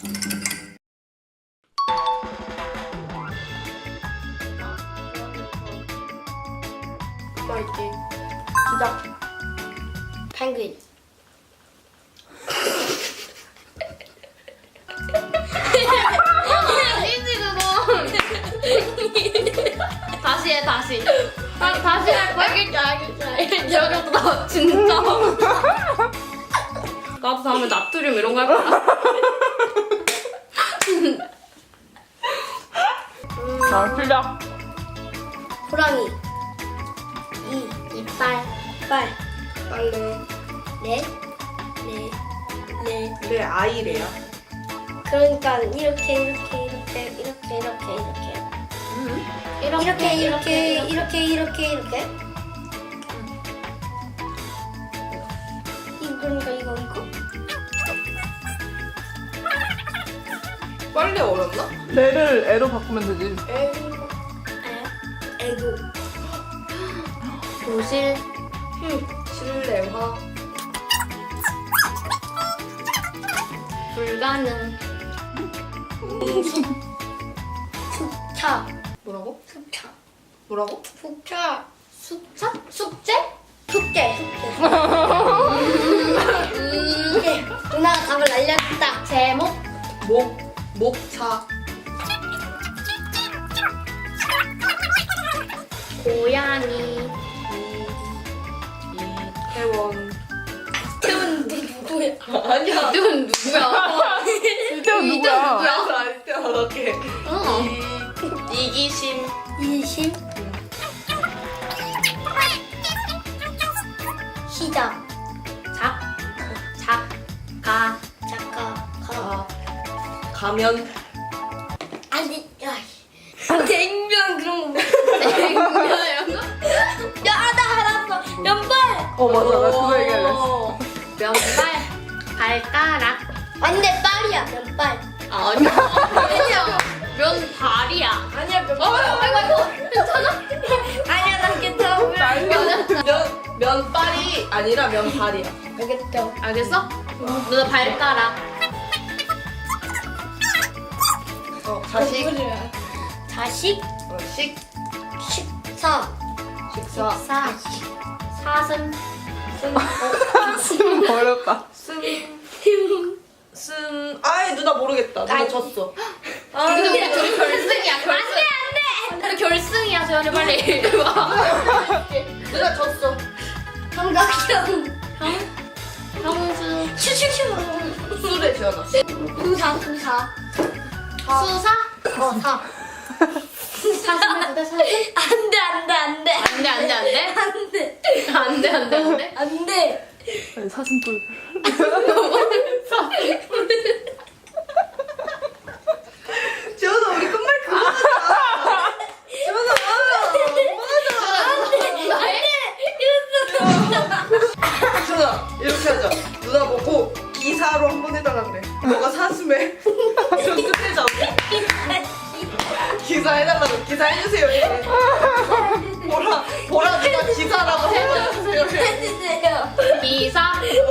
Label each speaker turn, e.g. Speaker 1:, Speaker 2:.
Speaker 1: 맛있지? 시작. 펭귄. 아니지 그거. 다시 해 다시. 다시 할 거야? 알겠지. 여기부터 진짜. 나도 다음에 나트륨 이런 거 할 거야.
Speaker 2: 자, 시작.
Speaker 1: 호랑이. 이빨. 빨래. 네.
Speaker 2: 내 아이래요.
Speaker 1: 그러니까 이렇게. 그러니까 이거.
Speaker 2: 빨리 어렵나? 내를 애로 바꾸면 되지.
Speaker 1: 애고. 도실.
Speaker 2: 실내화.
Speaker 1: 불가능. 숙차.
Speaker 2: 뭐라고?
Speaker 1: 숙차.
Speaker 2: 뭐라고?
Speaker 1: 숙차. 숙제? 숙제. 누나가 답을 알려줬다. 제목.
Speaker 2: 목차.
Speaker 1: 고양이.
Speaker 2: 이태원.
Speaker 1: 태훈 누구야?
Speaker 2: 아니야.
Speaker 1: 태훈 누구야?
Speaker 2: 이태원 누구야?
Speaker 1: 누구야?
Speaker 2: 이태원 오케이. 이기심.
Speaker 1: 이심. 시작. 작가.
Speaker 2: 가면.
Speaker 1: 아니, 야, 냉면 그런 거. 냉면 이런 거? 야, 나 알았어. 면발.
Speaker 2: 맞아. 나 그거 얘기할래.
Speaker 1: 면발. 발가락. 안돼, 빨이야. 면발. 아니야. 면발이야. 아니야, 면발. 아이고. 괜찮아? 아니야, 난 괜찮아.
Speaker 2: 면발이 아니라 면발이야.
Speaker 1: 알겠죠? 알겠어? 누나 발가락.
Speaker 2: 자식.
Speaker 1: 자식. 식사. 사슴.
Speaker 2: 어렵다. 아이 누나 모르겠다. 누나 졌어.
Speaker 1: 근데 우리 결승이야. 안돼. 결승이야. 저희 빨리 와.
Speaker 2: 누나 졌어.
Speaker 1: 삼각형. 형수. 슈슈슈.
Speaker 2: 술에 지어놨어.
Speaker 1: 수사. 수사. 사. 안돼.
Speaker 2: 사슴뿔. 지원아 우리 끝말 그거 하자. 지원아 이렇게 하자. 누나 보고 기사로 한번 해달라 그래. 너가 사슴에 좀 끝내자. 기사 해달라고. 기사 해주세요. 이래. 보라 누나 기사라고 해주세요.
Speaker 1: 기사.